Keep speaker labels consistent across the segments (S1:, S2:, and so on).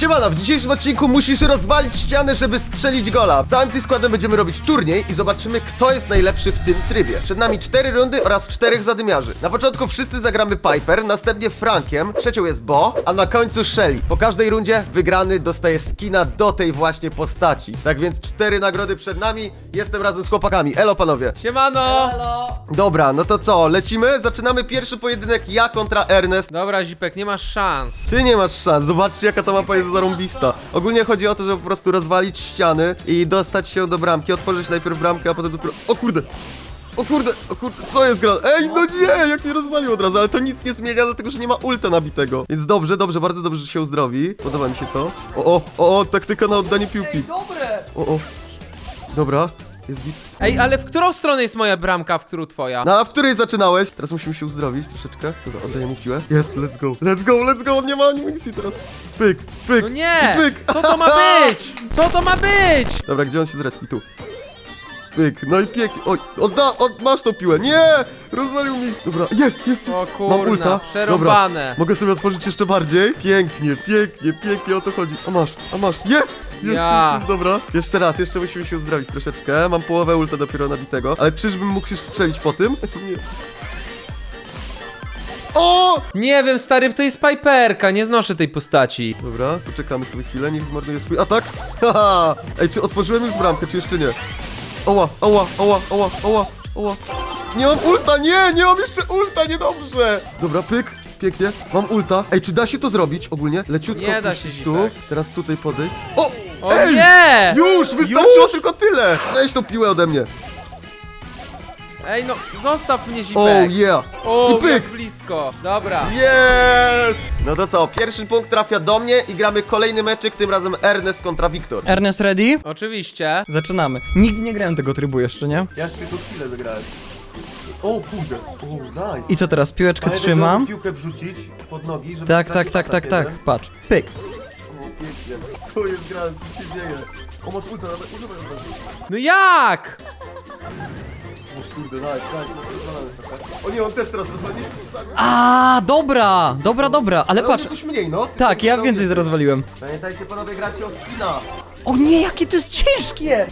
S1: Siemano, w dzisiejszym odcinku musisz rozwalić ścianę, żeby strzelić gola. Z całym tym składem będziemy robić turniej i zobaczymy, kto jest najlepszy w tym trybie. Przed nami 4 rundy oraz 4 zadymiarzy. Na początku wszyscy zagramy Piper, następnie Frankiem, trzecią jest Bo, a na końcu Shelly. Po każdej rundzie wygrany dostaje skina do tej właśnie postaci. Tak więc 4 nagrody przed nami, jestem razem z chłopakami. Elo panowie.
S2: Siemano!
S1: Dobra, no to co, lecimy? Zaczynamy pierwszy pojedynek, ja kontra Ernest.
S2: Dobra, Zipek, nie masz szans.
S1: Ty nie masz szans, zobaczcie jaka ta mapa jest zarąbista. Ogólnie chodzi o to, żeby po prostu rozwalić ściany i dostać się do bramki, otworzyć najpierw bramkę, a potem dopiero... O kurde! O kurde, co jest grane? Ej, no nie, jak mnie rozwalił od razu, ale to nic nie zmienia, dlatego że nie ma ulta nabitego. Więc dobrze, bardzo dobrze, że się uzdrowi. Podoba mi się to. O, taktyka na oddanie piłki.
S3: Ej, dobre!
S1: O. Dobra, jest git.
S2: Ej, ale w którą stronę jest moja bramka, w którą twoja?
S1: No, a w której zaczynałeś? Teraz musimy się uzdrowić troszeczkę. Dobra, oddaję mu piłę. Jest, let's go, on nie ma amunicji teraz. Pyk,
S2: No nie!
S1: i pyk.
S2: Co to ma być? Co to ma być?
S1: Dobra, gdzie on się zrespi? Tu. Pyk, no i pięknie. Oj, masz tą piłę. Nie! Rozwalił mi. Dobra, jest.
S2: O
S1: Mam ulta.
S2: kurna, przerąbane.
S1: Dobra, mogę sobie otworzyć jeszcze bardziej. Pięknie, o to chodzi. A masz. Jest, dobra. Jeszcze musimy się uzdrowić troszeczkę. Mam połowę ulta dopiero nabitego. Ale czyżbym mógł się strzelić po tym? Nie. O!
S2: Nie wiem, stary, to jest Piperka, nie znoszę tej postaci.
S1: Dobra, poczekamy sobie chwilę, niech zmarnuje swój atak. Haha! Ej, czy otworzyłem już bramkę, czy jeszcze nie? Oła. Nie mam ulta, nie mam jeszcze ulta, niedobrze. Dobra, pyk, pięknie, mam ulta. Ej, czy da się to zrobić ogólnie? Leciutko
S2: Nie da się,
S1: puścić tu,
S2: Zipek.
S1: teraz tutaj podejść. O!
S2: O
S1: Ej!
S2: nie!
S1: Już, wystarczyło tylko tyle. Weź tą piłę ode mnie.
S2: Ej, no, zostaw mnie, Zipek.
S1: Oh yeah.
S2: O,
S1: I pyk.
S2: jak blisko. Dobra.
S1: Jest! No to co, pierwszy punkt trafia do mnie i gramy kolejny meczyk, tym razem Ernest kontra Wiktor.
S3: Ernest ready?
S2: Oczywiście.
S3: Zaczynamy. Nigdy nie grałem tego trybu jeszcze, nie?
S1: Ja tylko chwilę zagrałem. O kurde, nice.
S3: I co teraz? Piłeczkę trzymam.
S1: Piłkę wrzucić pod nogi, żeby
S3: Tak. Patrz. Pyk.
S1: O, pięknie. Co jest grane, co się dzieje? O, masz ulta, używaj.
S2: No jak?
S1: O kurde, nice. O nie, on też teraz rozwalił.
S3: A, dobra, ale patrz.
S1: Jakoś mniej, no.
S3: Tak, ja więcej rozwaliłem.
S1: Pamiętajcie panowie, gracie o skina.
S3: O nie, jakie to jest ciężkie!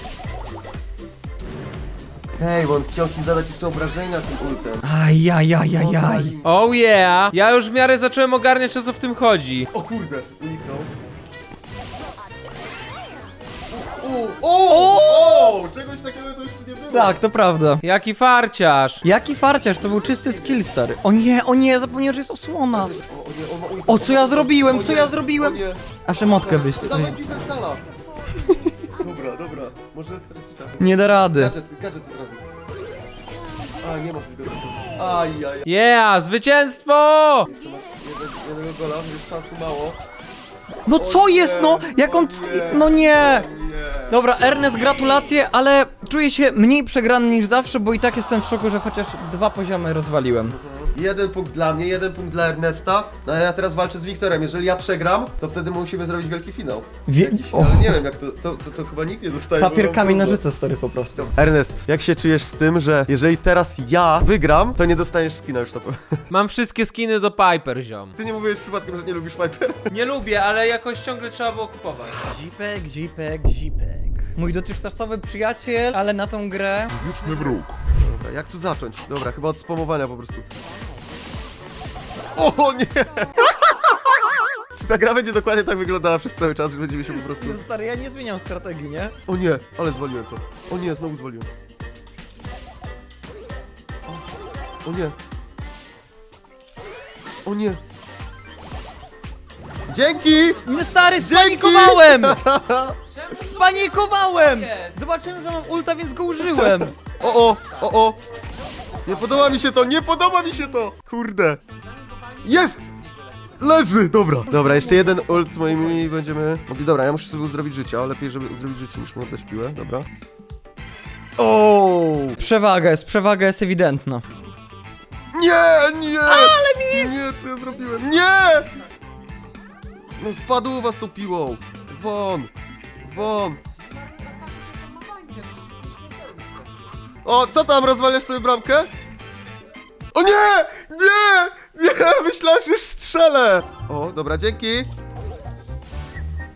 S1: Hej, bo on chciał ci zadać jeszcze obrażenia tym ultem.
S3: Ajajajajaj.
S2: Oh yeah. Ja już w miarę zacząłem ogarniać, o co w tym chodzi.
S1: O kurde, uniknął. O! Czegoś takiego to jeszcze nie było.
S3: Tak, to prawda.
S2: Jaki farciarz.
S3: Jaki farciarz, to był czysty skill, stary. O nie, zapomniałem, że jest osłona. O, co ja zrobiłem,
S1: O nie.
S3: Aż emotkę wyjść.
S1: Dawaj piłkę z dala. Dobra, może stracić czas.
S3: Nie da rady.
S1: Gadżet od razu. A, nie masz go. Ajaj.
S2: Yeah, zwycięstwo!
S1: Jeszcze masz jednego gola, już czasu mało.
S3: No co jest, no? Jak on... No nie.
S1: Nie.
S3: Dobra, Ernest, gratulacje, ale czuję się mniej przegrany niż zawsze, bo i tak jestem w szoku, że chociaż 2 poziomy rozwaliłem.
S1: 1 punkt dla mnie, 1 punkt dla Ernesta. No a ja teraz walczę z Wiktorem. Jeżeli ja przegram, to wtedy musimy zrobić wielki finał. Ale nie wiem jak to chyba nikt nie dostaje.
S3: Papier, kamień, nożyce, stary, po prostu.
S1: Ernest, jak się czujesz z tym, że jeżeli teraz ja wygram, to nie dostaniesz skina już na pewno.
S2: Mam wszystkie skiny do Piper, ziom.
S1: Ty nie mówiłeś przypadkiem, że nie lubisz Piper?
S2: Nie lubię, ale jakoś ciągle trzeba było kupować.
S3: Zipek. Mój dotychczasowy przyjaciel, ale na tą grę...
S1: Dobra, jak tu zacząć? Dobra, chyba od spamowania po prostu. O nie! Czy ta gra będzie dokładnie tak wyglądała przez cały czas, że będziemy się po prostu...
S3: No stary, ja nie zmieniam strategii, nie?
S1: O nie, ale zwaliłem to. O nie, znowu zwaliłem. O nie. O nie. Dzięki!
S3: No stary, spanikowałem! Zobaczyłem, że mam ulta, więc go użyłem.
S1: O. Nie podoba mi się to! Kurde. Jest! Leży! Dobra, jeszcze jeden ult z moimi będziemy mogli. Dobra, ja muszę sobie uzdrowić życie, ale lepiej, żeby uzdrowić życie niż mu oddać piłę, dobra. O!
S3: Przewaga jest ewidentna.
S1: Nie! Ale mis! Nie, co ja zrobiłem? Nie! No spadł u was tą piłą! Won! O, co tam, rozwaliasz sobie bramkę? O nie! Myślałem, że już strzelę! O, dobra, dzięki!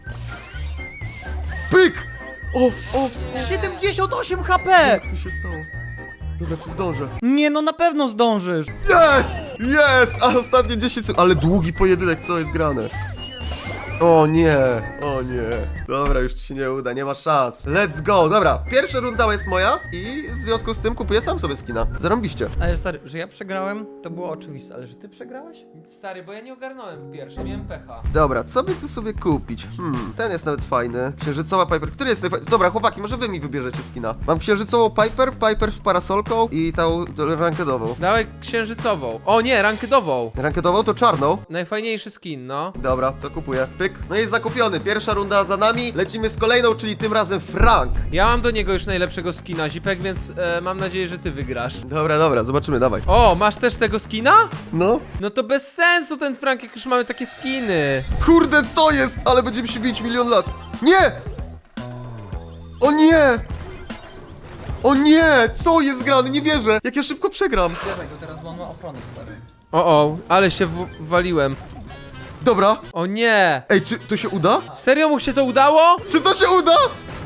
S1: O!
S3: 78 HP!
S1: Jak to się stało? Dobra, czy zdążę?
S3: Nie, no na pewno zdążysz.
S1: Jest! Jest! A ostatnie 10 sekund. Ale długi pojedynek, co jest grane? O nie, o nie. Dobra, już ci się nie uda, nie ma szans. Let's go, dobra. Pierwsza runda jest moja i w związku z tym kupuję sam sobie skina. Zarąbiście.
S3: Ale stary, że ja przegrałem, to było oczywiste, ale że ty przegrałeś?
S2: Stary, bo ja nie ogarnąłem w pierwszym, miałem pecha.
S1: Dobra, co by tu sobie kupić? Ten jest nawet fajny. Księżycowa Piper. Który jest najfajniejszy? Dobra, chłopaki, może wy mi wybierzecie skina. Mam księżycową Piper, Piper z parasolką i tą rankedową.
S2: Dawaj księżycową. O nie, rankedową.
S1: Rankedową to czarną.
S2: Najfajniejszy skin, no.
S1: Dobra, to kupuję. Pyk. No jest zakupiony. Pierwsza runda za nami. Lecimy z kolejną, czyli tym razem Frank.
S2: Ja mam do niego już najlepszego skina, Zipek, więc mam nadzieję, że ty wygrasz.
S1: Dobra, dobra, zobaczymy, dawaj.
S2: O, masz też tego skina?
S1: No.
S2: No to bez sensu ten Frank, jak już mamy takie skiny.
S1: Kurde, co jest? Ale będziemy się bić milion lat. Nie! O nie! O nie! Co jest grane? Nie wierzę! Jak ja szybko przegram.
S3: Dawaj go teraz, bo on ma ochronę, stary.
S2: O, ale się waliłem.
S1: Dobra.
S2: O nie!
S1: Ej, czy to się uda?
S2: Serio mu się to udało?
S1: Czy to się uda?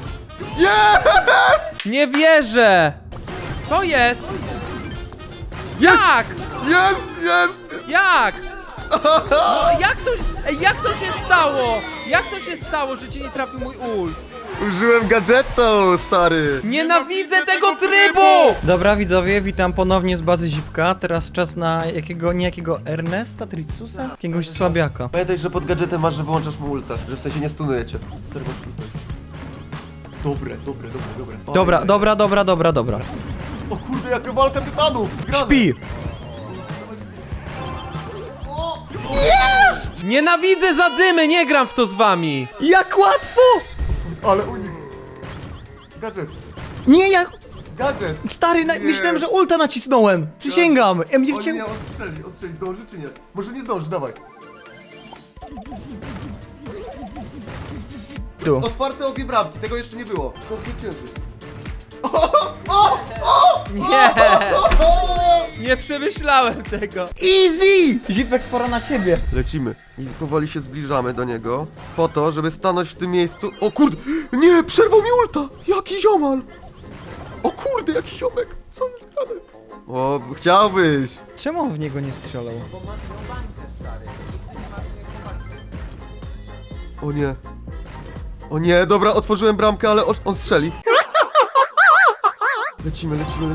S1: Jest!
S2: Nie wierzę! Co jest?
S1: Jest!
S2: Jak?
S1: Jest! Jest!
S2: Jak? No, jak to się stało? Jak to się stało, że cię nie trafił mój ult?
S1: Użyłem gadżetu, stary.
S2: Nienawidzę tego trybu!
S3: Dobra, widzowie, witam ponownie z bazy Zipka. Teraz czas na niejakiego Ernesta Tricusa? Jakiegoś słabiaka.
S1: Pamiętaj, że pod gadżetem masz, że wyłączasz mu ulta. Że w sensie nie stunujecie. Stary, masz tutaj. Dobre.
S3: Dobra.
S1: O kurde, jaka walka tytanów! Grane.
S3: Śpi!
S2: Nienawidzę zadymy, nie gram w to z wami!
S3: Jak łatwo!
S1: Ale unik. Gadżet.
S3: Nie, ja...
S1: Gadżet.
S3: Stary, myślałem, że ulta nacisnąłem. Przysięgam. Ja mnie
S1: O
S3: wciął...
S1: nie, ostrzeli, zdąży czy nie? Może nie zdąży, dawaj.
S3: Tu.
S1: Otwarte obie bramki, tego jeszcze nie było. To zwycięży.
S2: Nie! Nie przemyślałem tego.
S3: Easy! Zipek, pora na ciebie.
S1: Lecimy. I powoli się zbliżamy do niego. Po to, żeby stanąć w tym miejscu. O kurde! Nie! Przerwał mi ulta! Jaki ziomal! O kurde, jaki ziomek! Co jest grane? O, chciałbyś!
S3: Czemu on w niego nie strzelał?
S1: O nie. O nie, dobra, otworzyłem bramkę, ale on strzeli. Lecimy.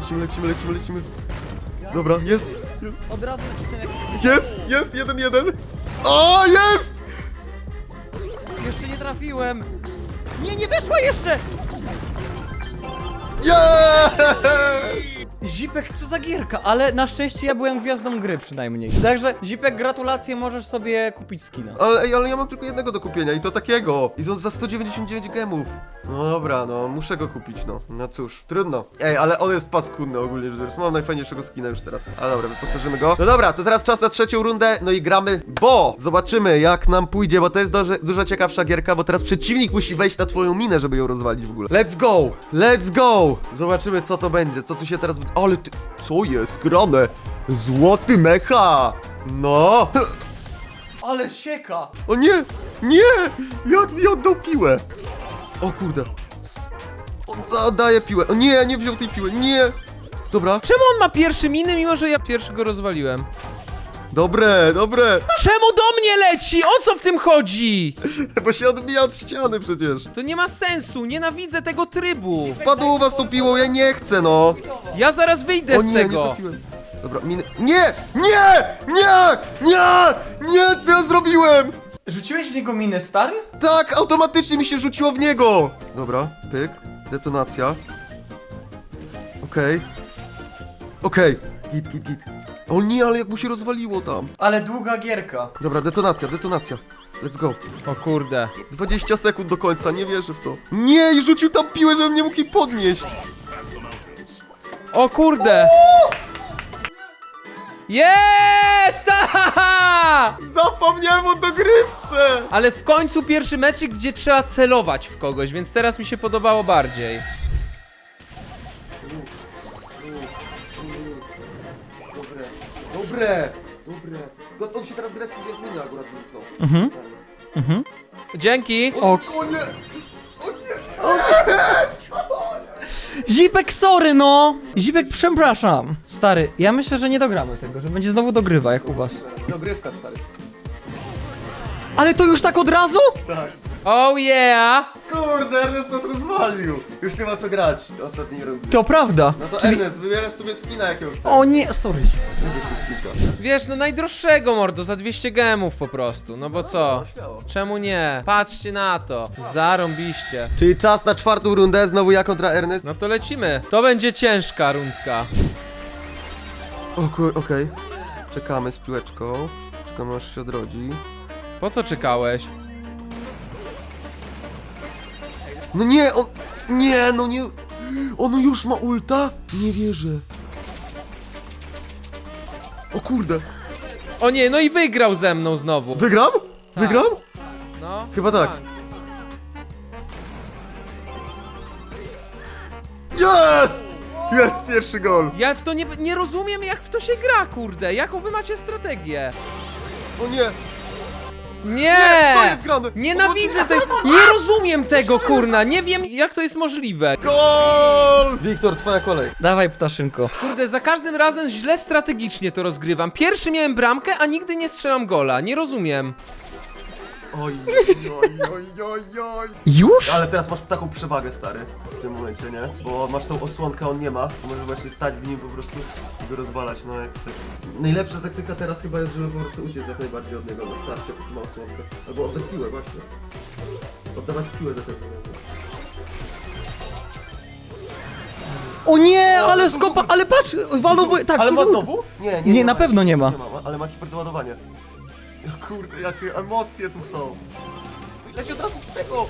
S1: Dobra, jest.
S3: Od razu nacisnąłem jak...
S1: Jest, 1-1. O, jest!
S3: Jeszcze nie trafiłem. Nie weszła jeszcze!
S1: Jest!
S3: Zipek, co za gierka, ale na szczęście ja byłem gwiazdą gry przynajmniej. Także, Zipek, gratulacje, możesz sobie kupić skina.
S1: Ale ja mam tylko jednego do kupienia i to takiego. I on za 199 gemów. No dobra, no muszę go kupić, no. No cóż, trudno. Ej, ale on jest paskudny ogólnie rzecz biorąc. Mam najfajniejszego skina już teraz. Ale dobra, wyposażymy go. No dobra, to teraz czas na trzecią rundę, no i gramy, bo zobaczymy jak nam pójdzie, bo to jest dużo ciekawsza gierka, bo teraz przeciwnik musi wejść na twoją minę, żeby ją rozwalić w ogóle. Let's go! Zobaczymy co to będzie, co tu się teraz... Ale ty... Co jest grane? Złoty mecha! No!
S3: Ale sieka!
S1: O nie! Nie! Jak mi oddał piłę? O kurde. On daje piłę. O nie, nie wziął tej piły. Nie! Dobra.
S2: Czemu on ma pierwszy miny, mimo że ja pierwszego rozwaliłem?
S1: Dobre.
S2: Czemu do mnie leci? O co w tym chodzi?
S1: Bo się odbija od ściany przecież.
S2: To nie ma sensu, nienawidzę tego trybu.
S1: Spadł u was tą piłą, ja nie chcę, no.
S2: Ja zaraz wyjdę
S1: O
S2: z
S1: nie, nie
S2: tego.
S1: trafiłem. Dobra, miny... Nie! Co ja zrobiłem?
S3: Rzuciłeś w niego minę, stary?
S1: Tak, automatycznie mi się rzuciło w niego. Dobra, pyk, detonacja. Okej. Git. O nie, ale jak mu się rozwaliło tam.
S3: Ale długa gierka.
S1: Dobra, detonacja. Let's go.
S2: O kurde.
S1: 20 sekund do końca, nie wierzę w to. Nie, i rzucił tam piłę, żebym nie mógł jej podnieść.
S2: O kurde. Jest!
S1: Zapomniałem o dogrywce.
S2: Ale w końcu pierwszy meczyk, gdzie trzeba celować w kogoś, więc teraz mi się podobało bardziej.
S1: Dobre. On się teraz zrespił, więc mnie akurat wyniknął.
S2: Dzięki.
S3: O,
S1: O nie!
S3: Zipek, sorry no! Zipek, przepraszam. Stary, ja myślę, że nie dogramy tego, że będzie znowu dogrywa, jak u was.
S1: Dogrywka, stary.
S3: Ale to już tak od razu?
S1: Tak.
S2: Oh yeah!
S1: Kurde, Ernest nas rozwalił. Już nie ma co grać ostatniej rundy.
S3: To prawda.
S1: No to
S3: Czyli...
S1: Ernest, wybierasz sobie skina jakiego chcesz.
S3: O nie, sorry.
S1: Wybierz sobie skinca.
S2: Wiesz, no najdroższego, mordo, za 200 gemów po prostu, no bo co?
S1: No, śmiało.
S2: Czemu nie? Patrzcie na to. Zarąbiście.
S1: Czyli czas na czwartą rundę, znowu ja kontra Ernest.
S2: No to lecimy. To będzie ciężka rundka.
S1: Okej. Czekamy z piłeczką. Czekamy aż się odrodzi.
S2: Po co czekałeś?
S1: No nie, on... Nie, no nie... On już ma ulta? Nie wierzę. O kurde.
S2: O nie, no i wygrał ze mną znowu.
S1: Wygram? Wygram?
S2: No.
S1: Chyba tak. Jest! Jest pierwszy gol.
S2: Ja w to nie rozumiem, jak w to się gra, kurde. Jaką wy macie strategię?
S1: O nie.
S2: Nie!
S1: Co jest grane?
S2: Nienawidzę tego! Nie rozumiem tego, kurna! Nie wiem, jak to jest możliwe.
S1: Gol! Wiktor, twoja kolej.
S3: Dawaj, ptaszynko.
S2: Kurde, za każdym razem źle strategicznie to rozgrywam. Pierwszy miałem bramkę, a nigdy nie strzelam gola. Nie rozumiem.
S1: Oj.
S3: Już?
S1: Ale teraz masz taką przewagę, stary, w tym momencie, nie? Bo masz tą osłonkę, on nie ma. To możesz właśnie stać w nim po prostu i go rozwalać, no jak chcesz. Najlepsza taktyka teraz chyba jest, żeby po prostu uciec jak najbardziej od niego na starcie, póki ma osłonkę. Albo oddać piłę, właśnie. Oddawać piłę do tego.
S3: O nie, ale skopa, ale patrz, walowo... Tak,
S1: Ale ma
S3: zużył-
S1: znowu? Nie,
S3: Nie, na pewno nie ma.
S1: Nie ma, ale ma hiperdoładowanie. Kurde, jakie emocje tu są. Leci od razu do tego!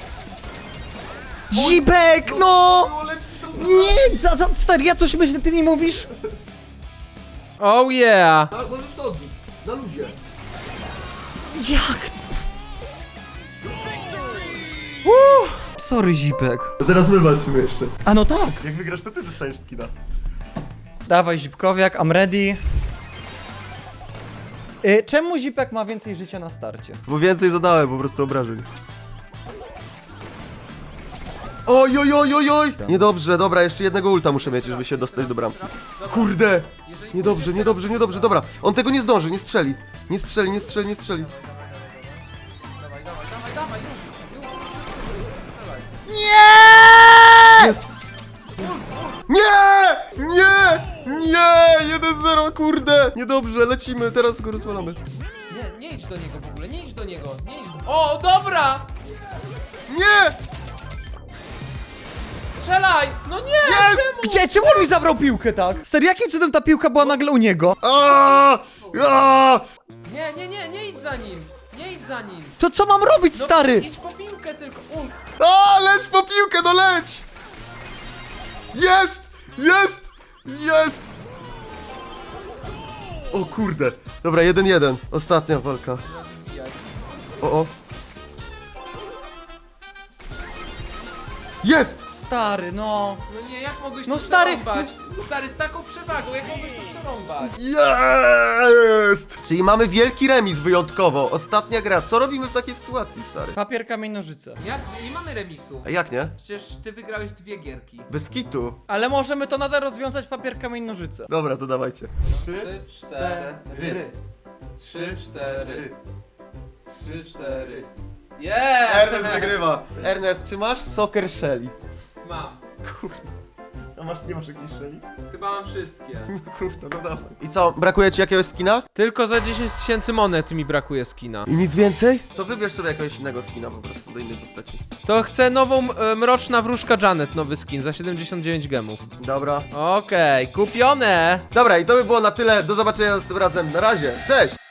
S3: Zipek, no!
S1: Leci to
S3: Nie, stary, ja coś myślę, ty mi mówisz?
S2: Oh yeah!
S1: Tak, możesz to odbić. Na luzie.
S3: Jak? Sorry, Zipek.
S1: To teraz my walczymy jeszcze.
S3: A no tak.
S1: Jak wygrasz, to ty dostaniesz skina.
S3: Dawaj, Zipkowiak, I'm ready. Czemu Zipek ma więcej życia na starcie?
S1: Bo więcej zadałem po prostu obrażeń. Oj, oj, oj, oj, oj! Niedobrze, dobra, jeszcze jednego ulta muszę mieć, żeby się dostać do bramki. Kurde! Niedobrze, niedobrze, niedobrze, dobra. On tego nie zdąży, nie strzeli. Nie strzeli, nie strzeli, nie strzeli.
S3: Nie!
S1: Jest! Nie! Nie! Nie! 1-0, kurde! Niedobrze, lecimy, teraz go rozwalamy.
S2: Nie idź do niego w ogóle, nie idź do niego, nie idź do... O, dobra!
S1: Nie!
S2: Strzelaj! No nie!
S1: Jest!
S2: Czemu?
S3: Gdzie? Czemu on mi zabrał piłkę, tak? Stary, jakim cudem ta piłka była nagle u niego?
S1: Aaaa! Aaaa!
S2: Nie idź za nim! Nie idź za nim!
S3: To co mam robić,
S2: No,
S3: stary?
S2: idź po piłkę tylko!
S1: A, leć po piłkę, no leć! Jest! Jest! Jest! O kurde. Dobra, 1-1. Ostatnia walka. O. Jest!
S3: Stary, no.
S2: No nie, jak mogłeś
S3: No
S2: to
S3: stary,
S2: przerąbać? Stary, z taką przewagą, jak mogłeś to przerąbać?
S1: Jest! Czyli mamy wielki remis wyjątkowo. Ostatnia gra. Co robimy w takiej sytuacji, stary?
S3: Papier, kamień, nożyce.
S2: Jak? Nie mamy remisu.
S1: A jak nie?
S2: Przecież ty wygrałeś 2 gierki.
S1: Bez kitu.
S3: Ale możemy to nadal rozwiązać papier, kamień, nożyce.
S1: Dobra, to dawajcie.
S2: 3, 4. 3, 4. 3, 4. Yeah!
S1: Ernest wygrywa. Ernest, czy masz Soccer Shelly?
S2: Mam.
S1: Kurde. A nie masz jakiejś Shelly?
S2: Chyba mam wszystkie.
S1: Kurde, no dawaj. I co, brakuje ci jakiegoś skina?
S2: Tylko za 10 000 monet mi brakuje skina.
S1: I nic więcej? To wybierz sobie jakiegoś innego skina po prostu, do innej postaci.
S2: To chcę nową mroczna wróżka Janet, nowy skin za 79 gemów.
S1: Dobra.
S2: Okej, kupione!
S1: Dobra, i to by było na tyle. Do zobaczenia następnym razem. Na razie. Cześć!